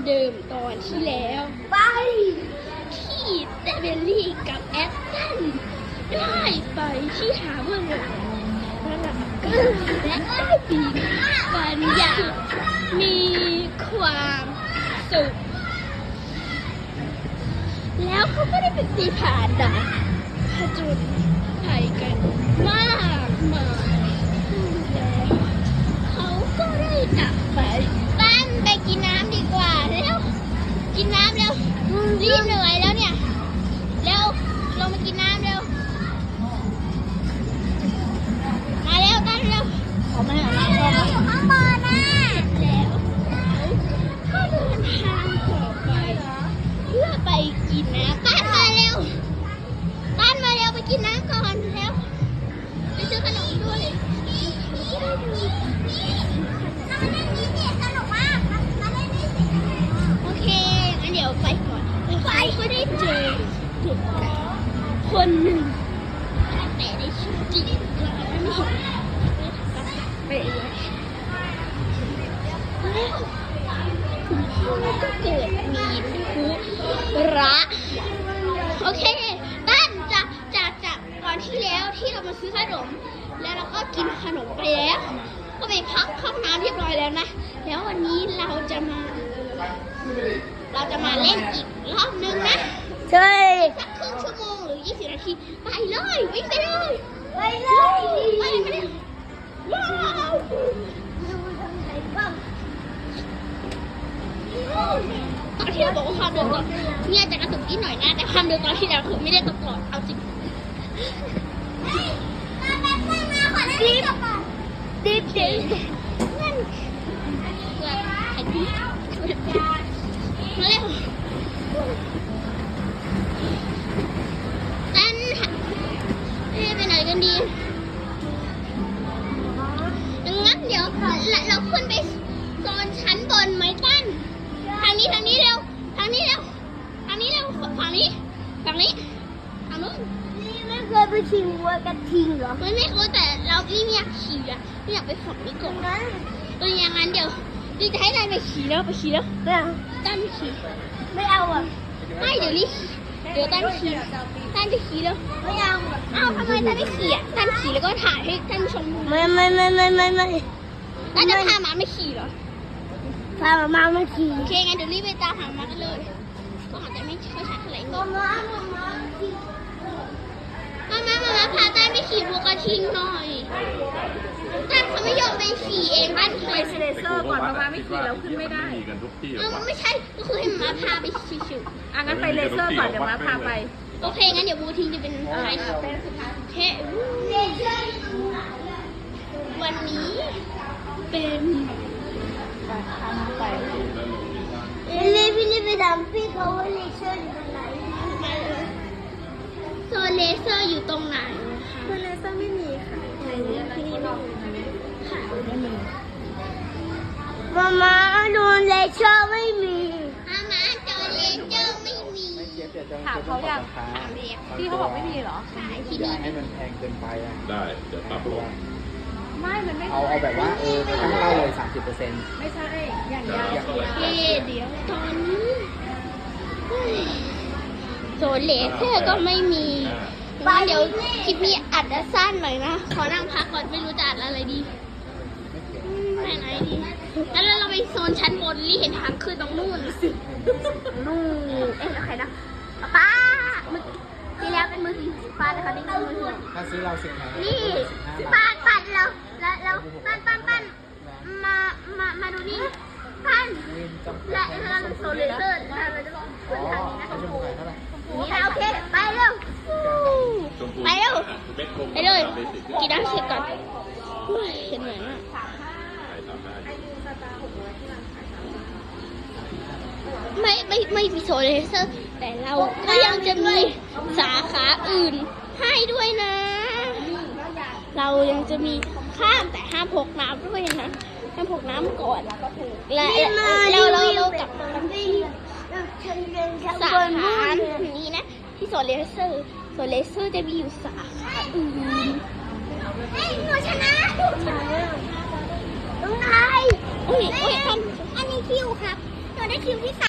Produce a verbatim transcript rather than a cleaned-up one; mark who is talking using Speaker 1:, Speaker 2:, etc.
Speaker 1: เดิมตอนที่แล้วไปที่เดเบลลี่กับแอสตันได้ไปที่หาเบื้องหลังและได้ปีกันอย่างมีความสุขแล้วเขาก็ได้เป็นตีผ่านด่านผจญภัยกันมากมายแล้วเขาก็ได้จากไปบ้านไปกินน้ำดีกว่าแล้วกินน้ำแล้วรีบเหนื่อยแล้วเนี่ยแล้วลงมากินน้ำเร็วมาเร็วกันเร็วเขาไม่เอาเราอยู่ข้างบนนะแล้วก็เดินทางต่อไปเพื่อไปกินน้ำตั้นมาเร็วตั้นมาเร็วไปกินน้ำก่อนแล้วไปซื้อขนมด้วยโอเคงั้นเดี๋ยวไปก่อนไปก็ได้เจอเด็กคนหนึ่งแต่ในชีวิตจริงเราไม่เห็นไปเลยแล้วคุณพ่อก็เกิดมีทุระโอเคตั้นจากจากจากก่อนที่แล้วที่เรามาซื้อขนมแล้วเราก็กินขนมไปแล้วก็ไปพักห้องน้ำเรียบร้อยแล้วนะแล้ววันนี้เราจะมาเราจะมาเล่นอีกรอบนึงนะใช่สักครึ่งชั่วโมงหรือยี่สิบนาทีไปเลยวิ่งไปเลยไปเลยไปเลยว้าวตอนที่เราบอกว่าความเร็วก่อนเนี่ยจะกระตุกนิดหน่อยนะแต่ความเร็วตอนที่แล้วคือไม่ได้ตกก่อนเอาจริงดิบดิบดิบนั่นเกิดไอ้ดิบมาเร็วตั้นไปไหนกันดีงั้นเดี๋ยวเราขึ้นไปโซนชั้นบนไหมตั้นทางนี้ทางนี้เร็วทางนี้เร็วทางนี้เร็วฝั่งนี้ฝั่งนี้ทางนู้นนี่ไม่เคยไปชิงวัวกระทิงเหรอไม่ไม่เคยแต่เรานี่ไม่อยากขี่อะไม่อยากไปฝั่งนี้ก่อนนั้นเอออย่างนั้นเดี๋ยวดีจะให้นายไปขี่แล้วไปขี่แล้วไม่เอาตั้นไปขี่ไม่เอาอ่ะไม่เดี๋ยวรีเดี๋ยวตั้นขี่ตั้นจะขี่แล้วไม่เอาอ้าวทำไมตั้นไม่ขี่อ่ะตั้นขี่แล้วก็ถ่ายให้ท่านชมไม่ไม่ไม่ไม่ไม่ไม่ตั้นจะพาหมาไม่ขี่เหรอพาหมาไม่ขี่โอเคงั้นเดี๋ยวรีบไปตามหาหมากันเลยก็อาจจะไม่ค่อยชัดเท่าไหร่มามามามามามามาพาตั้นไปขี่วัวกระทิงหน่อยตั้นเขาไม่ยอมไปขี่เองตั้นเคยเซเลเซอร์ก่อนมาไม่ขี่แล้วขึ้นไม่ได้เออไม่ใช่ก็คือให้มาพาไปขี่ชิวอ่ะงั้นไปเลเซอร์ก่อนเดี๋ยวมาพาไปโอเคงั้นเดี๋ยวบูทิงจะเป็นใครเทวันนี้เป็นพี่ลี่พี่ลี่ไปถามพี่เขาว่าเลเซอร์อยู่ตรงไหนมาเลยโซนเลเซอร์อยู่ตรงไหนโซนเลเซอร์ไม่มีค่ะที่นี่ไม่มีค่ะไม่มีมาม่าโดนเลเซอร์ไม่มีมาม่าโดนเลเซอร์ไม่มีถามเขาอย่างถามเรียกพี่เขาบอกไม่มีเหรอขายที่นี่ให้มันแพงเกินไปอ่ะ
Speaker 2: ได้จะปรับลง
Speaker 3: ไม่มันไม่
Speaker 4: เอาเอาแบบว่าเออตั้งเป้าเลย สามสิบเปอร์เซ็นต์
Speaker 3: ไม่ใช่อย่างยาว
Speaker 1: เดี๋ยวตอนนี้โซนเลเซอร์ก็ไม่มีว่าเดี๋ยวคลิปนี้อัดสั้นหน่อยนะขอนั่งพักก่อนไม่รู้จะอัดอะไรดีไหนไหนดีงั้นเราไปโซนชั้นบนรีเห็นทางขึ้นตรงนู่นสินู่นเอ๊ะแล้วใครนะป้าที่แล้วเป็นมือถือป้าแต่เขาได้มือถือ
Speaker 4: ถ้าซื้อเราสิบแผง
Speaker 1: นี่ป้าปั้นเราแล้วแล้วปั้นปั้นปั้นมามามาดูนี่ปั้นและเราโซนเลเซอร์เราจะลองขึ้นทางนี้นะคะนี่โอเคไปเร็วไปเร็วไปเลยกินน้ำเสร็จก่อนเห็นเหมือนอ่ะไม่ไม่ไม่มีโซเลเซอร์แต่เราก็ยังจะมีสาขาอื่นให้ด้วยนะเรายังจะมีข้ามแต่ห้ามพกน้ำด้วยนะห้ามพกน้ำก่อนและเราเราเรากลับมาที่สาขานี้นะที่โซเลเซอร์โซเลเซอร์จะมีอยู่สาขาอื่นเฮ้ยหนูชนะตรงไหนโอ้ยโอ้ยอันนี้คิวครับตัวได้คิวที่สาม